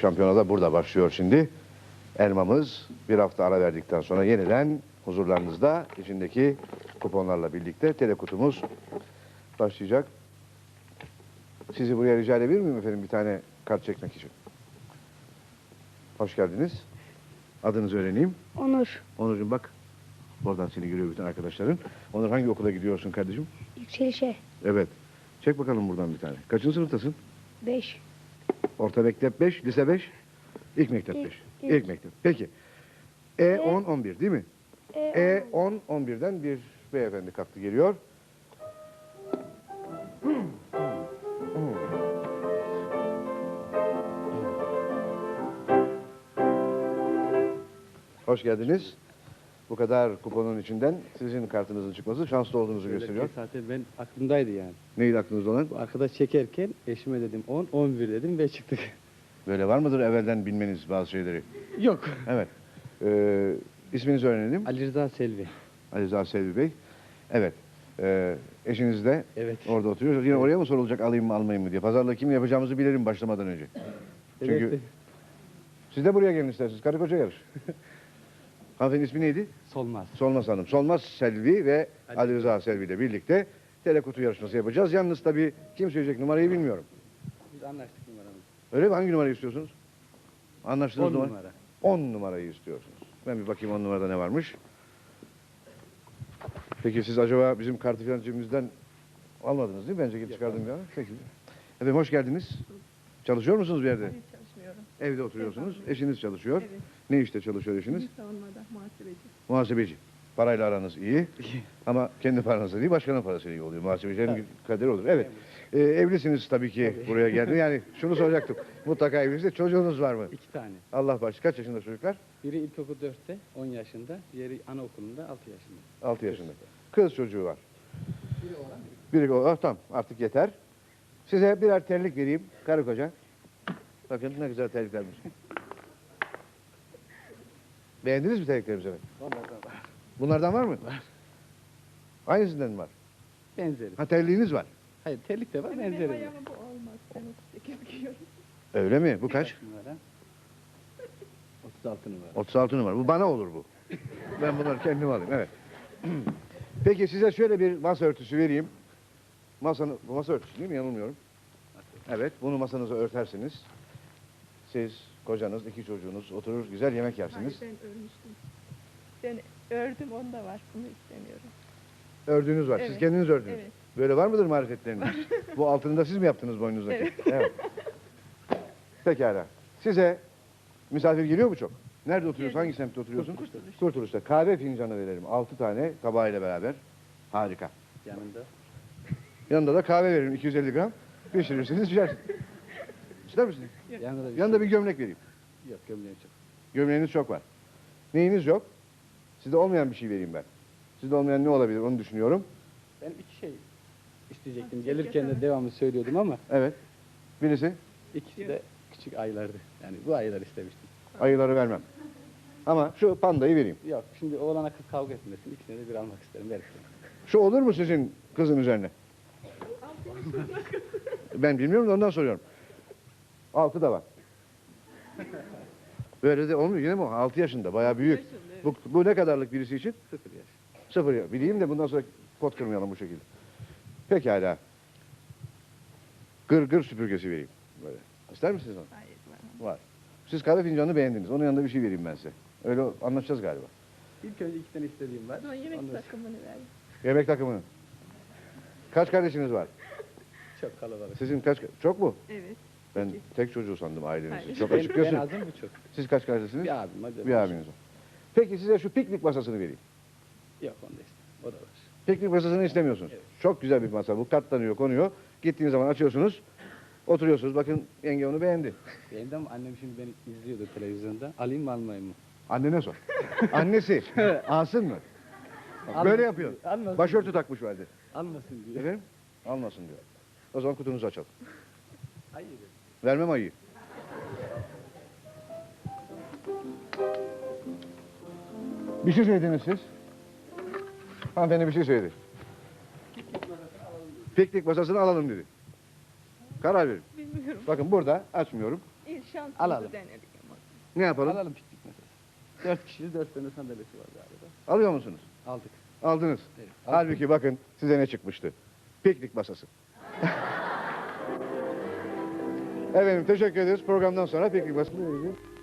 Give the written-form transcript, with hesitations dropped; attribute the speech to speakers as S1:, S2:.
S1: şampiyonada burada başlıyor şimdi. Elmamız bir hafta ara verdikten sonra yeniden huzurlarınızda içindeki kuponlarla birlikte telekutumuz başlayacak. Sizi buraya rica edebilir miyim efendim bir tane kart çekmek için? Hoş geldiniz. Adınızı öğreneyim.
S2: Onur.
S1: Onurcuğum bak. Oradan seni görüyor bütün arkadaşların. Onur hangi okula gidiyorsun kardeşim?
S2: Yükselişe.
S1: Evet. Çek bakalım buradan bir tane. Kaçıncı sınıftasın?
S2: 5.
S1: Orta mektep 5, lise 5, ilk mektep 5. İlk mektep. Peki. E10, 11 değil mi? E10, 11'den bir beyefendi kalktı geliyor. Hoş geldiniz. Bu kadar kuponun içinden sizin kartınızın çıkması şanslı olduğunuzu gösteriyor.
S3: Zaten ben aklımdaydı yani.
S1: Neydi aklınızda olan?
S3: Bu arkadaş çekerken eşime dedim 10, 11 dedim ve çıktık.
S1: Böyle var mıdır evvelden bilmeniz bazı şeyleri?
S3: Yok.
S1: Evet. İsminizi öğrenelim.
S3: Ali Rıza Selvi.
S1: Ali Rıza Selvi Bey. Evet. Eşiniz de
S3: Evet.
S1: orada oturuyor. Yine oraya mı sorulacak alayım mı almayayım mı diye. Pazarlığı kim yapacağımızı bilelim başlamadan önce. Çünkü
S3: Evet.
S1: siz de buraya gelin isterseniz. Karı koca yarış. Hanımefendinin ismi neydi?
S3: Solmaz.
S1: Solmaz Hanım. Solmaz Selvi ve Ali Rıza Selvi ile birlikte telekutu yarışması yapacağız. Yalnız tabii kim söyleyecek numarayı bilmiyorum.
S3: Biz anlaştık numaramızı.
S1: Öyle mi? Hangi numarayı istiyorsunuz? Anlaştığınız
S3: 10
S1: numara?
S3: numara.
S1: 10 numarayı istiyorsunuz. Ben bir bakayım 10 numarada ne varmış. Peki siz acaba bizim kartı filan cebimizden almadınız değil mi? Bence çıkardım ya. Peki. Efendim hoş geldiniz. Çalışıyor musunuz bir yerde?
S4: Hayır, çalışmıyorum.
S1: Evde oturuyorsunuz. Eşiniz çalışıyor.
S4: Evet.
S1: Ne işte çalışıyor eşiniz?
S4: Milli savunmada muhasebeci.
S1: Muhasebeci. Parayla aranız iyi. Ama kendi paranızla değil, başkanın parasıyla iyi oluyor. Muhasebecinin kaderi olur. Evet. Evlisiniz tabii ki buraya geldi. Yani şunu soracaktım. Mutlaka evlisiniz. Çocuğunuz var mı?
S3: 2 tane.
S1: Allah baş. Kaç yaşında çocuklar?
S3: Biri ilkokul 4'te 10 yaşında. Diğeri anaokulunda 6 yaşında.
S1: 6 yaşında. Kız çocuğu var. Biri oğlan. Tamam artık yeter. Size birer terlik vereyim. Karı koca. Bakın ne güzel terliklermiş. Beğendiniz mi terliklerimizi?
S3: Onlardan var.
S1: Bunlardan var mı?
S3: Var.
S1: Aynısından mı var?
S3: Benzeri.
S1: Ha terliğiniz var.
S3: Hayır terlik de var
S4: Benim
S3: benzeri de.
S4: ayağıma bu olmaz. Ben 38 giyiyorum.
S1: Öyle mi? Bu kaç?
S3: Numara. 36 numara.
S1: 36 numara. Bu bana olur bu. Ben bunları kendim alayım. Evet. Peki size şöyle bir masa örtüsü vereyim. Bu masa örtüsü değil mi? Yanılmıyorum. Evet. Bunu masanıza örtersiniz. Siz, kocanız, 2 çocuğunuz oturur güzel yemek
S4: Hayır,
S1: yersiniz.
S4: ben örmüştüm. Ben ördüm, onda var. Bunu istemiyorum.
S1: Ördüğünüz var. Siz
S4: Evet.
S1: kendiniz ördünüz.
S4: Evet.
S1: Böyle var mıdır marifetleriniz? Bu altını da siz mi yaptınız boynunuzdaki?
S4: Evet.
S1: Evet. Pekala. Size misafir geliyor mu çok? Nerede oturuyorsun?
S4: Geliyor.
S1: Hangi semtte oturuyorsun?
S4: Kurtuluş.
S1: Kurtuluş'ta. Kahve fincanı verelim. 6 tane tabağıyla beraber. Harika.
S3: Yanında.
S1: Yanında da kahve veririm 250 gram. Pişirirsiniz içersiniz. İster misiniz?
S3: Yanında bir
S1: Yanında bir gömlek vereyim.
S3: şey. Yok gömleği çok.
S1: Gömleğiniz çok var. Neyiniz yok? Sizde olmayan bir şey vereyim ben. Sizde olmayan ne olabilir onu düşünüyorum.
S3: Ben 2 şey isteyecektim. Gelirken de devamlı söylüyordum ama
S1: Evet. Birisi
S3: ikisi de küçük aylardı. Yani bu aylar istemiştim.
S1: ayıları vermem. Ama şu pandayı vereyim.
S3: Yok şimdi oğlana kız kavga etmesin. İkisine de bir almak isterim. Ver.
S1: Şu olur mu sizin kızın üzerine? Ben bilmiyorum da ondan soruyorum. 6 da var. Böyle de olmuyor yine mi? 6 yaşında bayağı büyük. Bu ne kadarlık birisi için?
S3: 0 yaş.
S1: 0 ya. Bileyim de bundan sonra pot kırmayalım bu şekilde. Pekala. Gır süpürgesi vereyim. Böyle. İster misiniz onu?
S4: Hayır, var.
S1: Var. Siz kahve fincanını beğendiniz. Onun yanında bir şey vereyim ben size. Öyle anlaşacağız galiba.
S3: İlk önce 2 tane istediğim var.
S4: Sonra yemek
S3: Ondan
S4: takımını ver.
S1: Yemek takımını. Kaç kardeşiniz var?
S3: Çok kalabalık.
S1: Sizin kaç? Çok mu?
S4: Evet.
S1: Ben tek çocuğu sandım ailenizin.
S4: Hayır.
S1: Çok
S3: Ben,
S1: açık
S3: ben
S1: gösterin.
S3: azım bu çok.
S1: Siz kaç kardeşsiniz?
S3: Bir abim hadi.
S1: Bir abiniz var. Peki size şu piknik masasını vereyim.
S3: Yok onda işte. O da var.
S1: Piknik masasını istemiyorsunuz.
S3: Evet.
S1: Çok güzel bir masa. Bu katlanıyor, konuyor. Gittiğiniz zaman açıyorsunuz. Oturuyorsunuz. Bakın yenge onu beğendi.
S3: Benim de annem şimdi beni izliyordu televizyonda. Alayım mı almayayım mı?
S1: Annene sor. Annesi. Alsın mı? Böyle yapıyor.
S3: Almasın.
S1: Başörtü takmış vardı.
S3: Almasın diyor.
S1: Efendim? Almasın diyor. O zaman kutunuzu açalım.
S3: Hayır.
S1: Vermem ayıyı. Bir şey söylediniz siz. Hanımefendi bir şey söyledi. Piknik masasını alalım dedi. Karar verin.
S4: Bilmiyorum.
S1: Bakın burada açmıyorum.
S4: İnşallah. şansımızı
S3: Alalım.
S4: denedik.
S1: Ne yapalım?
S3: Alalım piknik masası. 4 kişilik 4 tane sandalyesi var galiba.
S1: Alıyor musunuz?
S3: Aldık.
S1: Aldınız.
S3: Evet.
S1: Halbuki bakın size ne çıkmıştı. Piknik masası. Efendim teşekkür ederiz. Programdan sonra piknik masası.